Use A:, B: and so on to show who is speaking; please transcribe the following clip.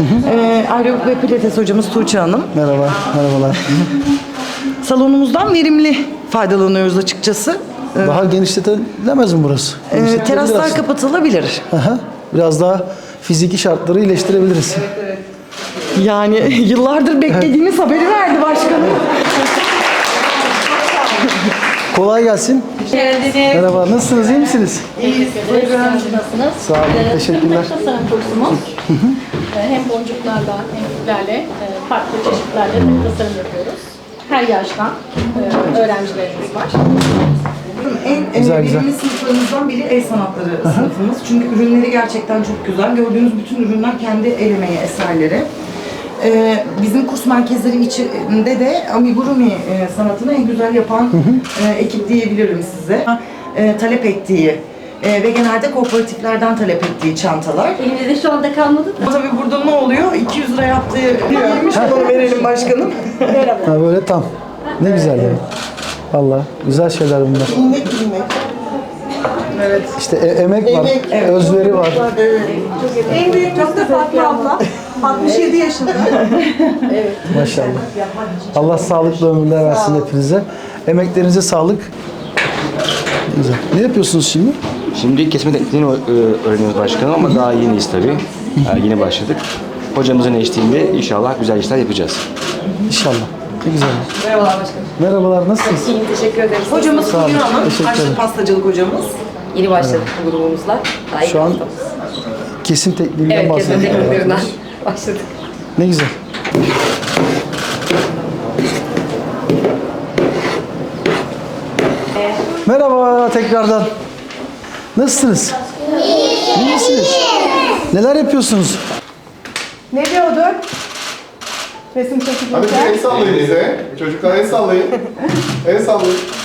A: Aerobik ve pilates hocamız Tuğçe Hanım.
B: Merhaba, merhabalar.
A: Salonumuzdan verimli faydalanıyoruz açıkçası.
B: Daha genişletilemez mi burası? Genişletilebilir
A: Teraslar
B: aslında.
A: kapatılabilir.
B: Aha, biraz daha fiziki şartları iyileştirebiliriz.
A: Yani yıllardır beklediğimiz haberi verdi başkanım.
B: Kolay gelsin.
C: Geldiniz.
B: Merhaba, nasılsınız, iyi misiniz?
C: İyiyiz. Nasılsınız?
B: Sağ olun, teşekkürler.
C: Tasarım kursumuz. Hem boncuklarla hem iplerle farklı çeşitlerle tasarım yapıyoruz. Her yaştan öğrencilerimiz var.
A: En
B: Güzel,
A: verimli
B: güzel.
A: sınıflarımızdan biri el sanatları sınıfımız. Çünkü ürünleri gerçekten çok güzel. Gördüğünüz bütün ürünler kendi el emeği eserleri. Bizim kurs merkezleri içinde de amigurumi sanatını en güzel yapan ekip diyebilirim size. Talep ettiği ve genelde kooperatiflerden talep ettiği çantalar.
C: Elimizde şu anda kalmadı da.
A: Tabii burada ne oluyor? 200 lira yaptığı yemiş olanı verelim başkanım.
B: Ha, böyle tam. Ne güzel ya. Vallahi güzel şeyler bunlar.
A: İlmek. Evet.
B: İşte emek var,
A: Emek, evet.
B: özveri var.
D: En büyük de Fatma abla. 67 yaşında.
B: Maşallah. Allah sağlıklı ömürler versin hepinize. Emeklerinize sağlık. Güzel. Ne yapıyorsunuz şimdi?
E: Şimdi kesme tekniğini öğreniyoruz başkanım ama daha yeniyiz tabii. Yeni başladık. Hocamızın eşliğinde inşallah güzel işler yapacağız.
B: İnşallah. Ne güzel.
A: Merhabalar başkanım.
B: Merhabalar, nasılsınız?
F: İyiyim, teşekkür ederiz.
A: Hocamız
B: Sağ olun,
A: Fulya Hanım,
B: teşekkür
A: Haçlı
B: ederim.
A: pastacılık hocamız.
F: Yeni başladık bu grubumuzla. Daha
B: Şu an
F: ilk haftamız.
B: kesim tekniğinden
F: Evet, kesin
B: bahsediyoruz.
F: tekniklerinden başladık.
B: Ne güzel. Merhaba tekrardan. Nasılsınız? İyi misiniz? Neler yapıyorsunuz?
D: Ne diyordun? Resim
G: Hadi
D: çekilirken.
G: el sallayın bize. Çocuklar el sallayın. El sallayın.